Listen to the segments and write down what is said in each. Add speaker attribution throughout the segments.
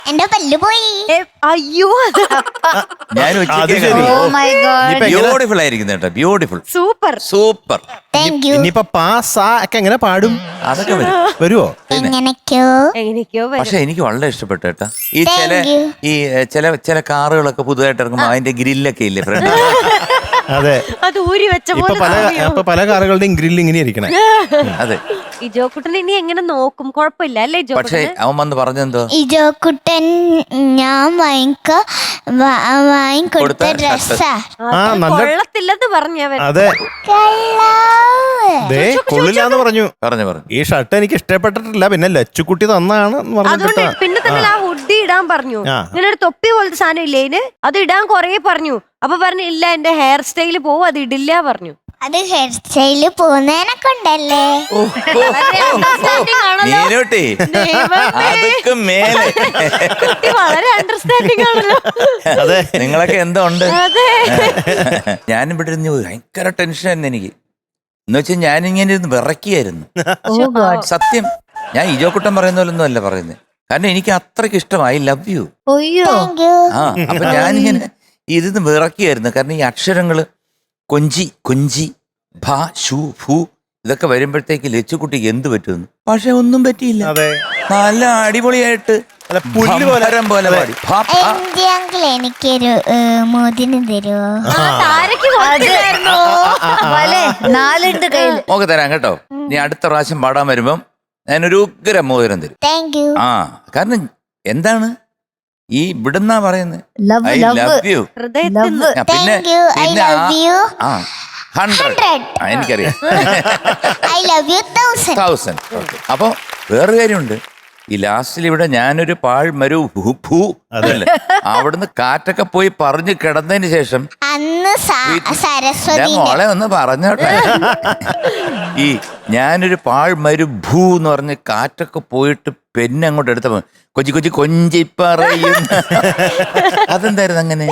Speaker 1: എന്റെ പല്ല് പോയി.
Speaker 2: അയ്യോ
Speaker 3: ഞാൻ ബ്യൂട്ടിഫുൾ ആയിരിക്കുന്നു കേട്ടോ. Beautiful,
Speaker 2: super
Speaker 3: super.
Speaker 1: Thank you.
Speaker 4: ഇനിയിപ്പൊ പാ ഒക്കെ എങ്ങനെ പാടും?
Speaker 3: അതൊക്കെ വരും.
Speaker 4: വരുവോ?
Speaker 2: എങ്ങനെയൊക്കെയോ
Speaker 3: പക്ഷെ എനിക്ക് വളരെ ഇഷ്ടപ്പെട്ടു കേട്ടോ. ഈ ചില കാറുകളൊക്കെ പുതുതായിട്ട് ഇറങ്ങുമ്പോ അതിന്റെ ഗ്രില്ലൊക്കെ ഇല്ലേ ഫ്രണ്ട്?
Speaker 4: അതെ,
Speaker 2: അത് ഊരി വെച്ച
Speaker 4: ഇപ്പൊ പല കാറുകളുടെയും ഗ്രില്ല് ഇങ്ങനെ ഇരിക്കണേ.
Speaker 3: അതെ.
Speaker 2: ഈ ജോക്കുട്ടൻ ഇനി എങ്ങനെ നോക്കും? കുഴപ്പമില്ല അല്ലേ
Speaker 3: പക്ഷെ അവൻ വന്ന് പറഞ്ഞെന്തോ,
Speaker 1: ഈ ജോക്കുട്ടൻ ഞാൻ വാങ്ങിക്കൊടുത്ത ഡ്രസ്സാ.
Speaker 2: കൊള്ളത്തില്ലെന്ന് പറഞ്ഞവൻ.
Speaker 4: അതെ, കൊള്ളില്ലാന്ന് പറഞ്ഞു. ഈ ഷർട്ട് എനിക്ക് ഇഷ്ടപ്പെട്ടിട്ടില്ല, പിന്നെ ലച്ചുക്കുട്ടി തന്നാണ്
Speaker 2: അതുകൊണ്ട് പിന്നെ തന്നെ ആ ഹുഡി ഇടാൻ പറഞ്ഞു. ഇങ്ങനെ ഒരു തൊപ്പി പോലത്തെ സാധനം ഇല്ലേ ഇതിന്, അത് ഇടാൻ കൊറേ പറഞ്ഞു. അപ്പൊ പറഞ്ഞു ഇല്ല എന്റെ ഹെയർ സ്റ്റൈല് പോവും, അത് ഇടില്ല പറഞ്ഞു.
Speaker 1: അത് ഹെയർ സ്റ്റൈല് പോകുന്നതിനൊക്കെ ഉണ്ടല്ലേ.
Speaker 2: വളരെ അണ്ടർസ്റ്റാൻഡിങ് ആണല്ലോ.
Speaker 3: അതെ, നിങ്ങളൊക്കെ എന്തോ ഉണ്ട്. ഞാനും ഇവിടെ ഇരുന്ന് ഭയങ്കര ടെൻഷനായിരുന്നു എനിക്ക്. എന്ന് വെച്ചാൽ ഞാനിങ്ങനെ ഇരുന്ന് വിറക്കിയായിരുന്നു സത്യം. ഞാൻ ഇജോക്കുട്ടൻ പറയുന്ന പോലൊന്നും അല്ല പറയുന്നത്. കാരണം എനിക്ക് അത്രയ്ക്ക് ഇഷ്ടമായി. I love you. ആ, അപ്പൊ ഞാനിങ്ങനെ ഇരുന്ന് വിറക്കിയായിരുന്നു. കാരണം ഈ അക്ഷരങ്ങള് കൊഞ്ചി കൊഞ്ചി ഭ ഷു ഫു ഇതൊക്കെ വരുമ്പോഴത്തേക്ക് ലച്ചുക്കുട്ടിക്ക് എന്ത് പറ്റുമെന്ന്. പക്ഷെ ഒന്നും പറ്റിയില്ല. നല്ല അടിപൊളിയായിട്ട് പോലെ പാടി.
Speaker 1: എനിക്കൊരു മോതിരം തരുമോ?
Speaker 3: മോക്ക് തരാം കേട്ടോ. നീ അടുത്ത പ്രാവശ്യം പാടാൻ വരുമ്പം ഞാനൊരു ഉഗ്ര മോതിരം തരും. ആ, കാരണം എന്താണ് ഈ ഇവിടുന്നാ പറയുന്നത് ഐ ലവ് യു. പിന്നെ ആ 100 എനിക്കറിയാം. 1000. അപ്പൊ വേറൊരു കാര്യമുണ്ട്. ഈ ലാസ്റ്റിൽ ഇവിടെ ഞാനൊരു പാഴ്മരു ഭൂ അതല്ലേ, അവിടുന്ന് കാറ്റൊക്കെ പോയി പറഞ്ഞു കിടന്നതിന് ശേഷം മോളെ ഒന്ന് പറഞ്ഞോട്ടെ. ഈ ഞാനൊരു പാഴ്മരു ഭൂ എന്ന് പറഞ്ഞ് കാറ്റൊക്കെ പോയിട്ട് പെന്നെ അങ്ങോട്ട് എടുത്തപ്പോ കൊച്ചി കൊച്ചി കൊഞ്ചി പറയും. അതെന്തായിരുന്നു അങ്ങനെ?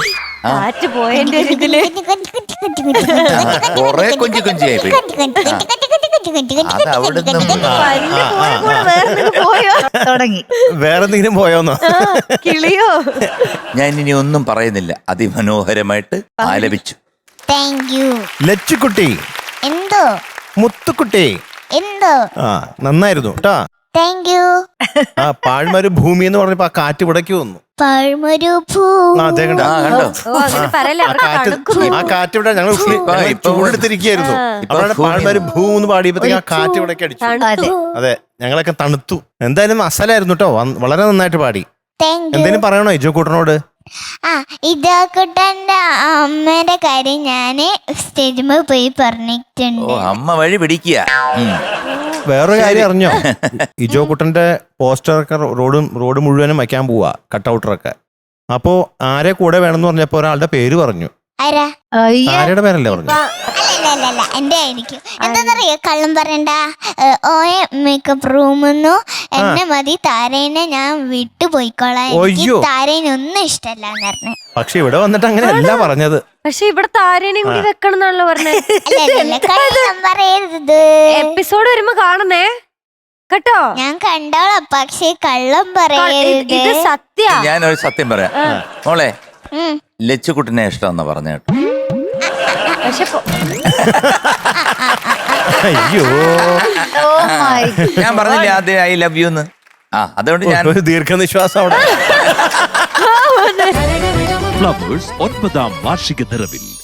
Speaker 3: കൊറേ കൊഞ്ചി കൊഞ്ചിയായി പോയി. അത് അവിടുന്ന്
Speaker 4: വേറെന്തെങ്കിലും പോയോന്നോ?
Speaker 2: കിളിയോ?
Speaker 3: ഞാൻ ഇനി ഒന്നും പറയുന്നില്ല. അതിമനോഹരമായിട്ട് ആലപിച്ചു.
Speaker 4: ലച്ചുക്കുട്ടി,
Speaker 1: എന്തോ
Speaker 4: മുത്തുക്കുട്ടി,
Speaker 1: എന്തോ
Speaker 4: നന്നായിരുന്നു കേട്ടാ. ആ പാഴ്മരു ഭൂമി എന്ന് പറഞ്ഞപ്പോ ആ കാറ്റ് ഇവിടേക്ക് വന്നു.
Speaker 3: ആ
Speaker 4: കാറ്റ് ഇവിടെ ഞങ്ങൾ ചൂടെടുത്തിരിക്കുകയായിരുന്നു. അപ്പോഴാണ് പാഴ്മരു ഭൂ എന്ന് പാടിയപ്പോഴത്തേക്ക് ആ കാറ്റ് ഇവിടേക്ക് അടിച്ചു. അതെ, ഞങ്ങളൊക്കെ തണുത്തു. എന്തായാലും അസലായിരുന്നു കേട്ടോ. വളരെ നന്നായിട്ട് പാടി. എന്തേലും പറയണോ ഇജോക്കൂട്ടനോട്?
Speaker 1: ഇജോക്കുട്ടന്റെ അമ്മയുടെ കാര്യം ഞാന് സ്റ്റേജിൽ പോയി പറഞ്ഞിട്ടുണ്ട്.
Speaker 3: അമ്മ വഴി പിടിക്കുക.
Speaker 4: വേറൊരു കാര്യം അറിഞ്ഞോ? ഇജോക്കുട്ടന്റെ പോസ്റ്ററൊക്കെ റോഡ് മുഴുവനും വയ്ക്കാൻ പോവാ, കട്ടൗട്ടറൊക്കെ. അപ്പോ ആരെ കൂടെ വേണമെന്ന് പറഞ്ഞപ്പോ ഒരാളുടെ പേര് പറഞ്ഞു. ആരുടെ പേരല്ലേ പറഞ്ഞു?
Speaker 1: അല്ല എന്റെ ആയിരിക്കും. എന്താന്നറിയോ, കള്ളം പറയണ്ട. ഓയ മേക്കപ്പ് റൂമെന്നു എന്നെ മതി, താരേനെ ഞാൻ വിട്ടുപോയിക്കോളാം. താരേനൊന്നും ഇഷ്ടമല്ലാന്ന് പറഞ്ഞു.
Speaker 4: പക്ഷെ ഇവിടെ വന്നിട്ട് അങ്ങനെയല്ല പറഞ്ഞത്.
Speaker 2: പക്ഷെ ഇവിടെ താരേനെയും കൂടി വെക്കണം എന്നാണല്ലോ പറഞ്ഞത്.
Speaker 1: കള്ളം പറയരുത്.
Speaker 2: എപ്പിസോഡ് വരുമ്പോ കാണുന്നേ കേട്ടോ.
Speaker 1: ഞാൻ കണ്ടോളാം, പക്ഷെ കള്ളം പറയരുത്.
Speaker 2: ഇത് സത്യ.
Speaker 3: ഞാനൊരു സത്യം പറയാം മോളെ. ലച്ചുക്കുട്ടിനെ ഇഷ്ടമെന്ന് പറഞ്ഞു കേട്ടോ.
Speaker 4: അയ്യോ,
Speaker 3: ഞാൻ പറഞ്ഞില്ലേ ആദ്യം ഐ ലവ് യു എന്ന്. അതുകൊണ്ട് ഞാൻ
Speaker 4: ദീർഘനിശ്വാസം അവിടെ.
Speaker 5: ഫ്ലവേഴ്സ് 9ാം വാർഷിക നിറവിൽ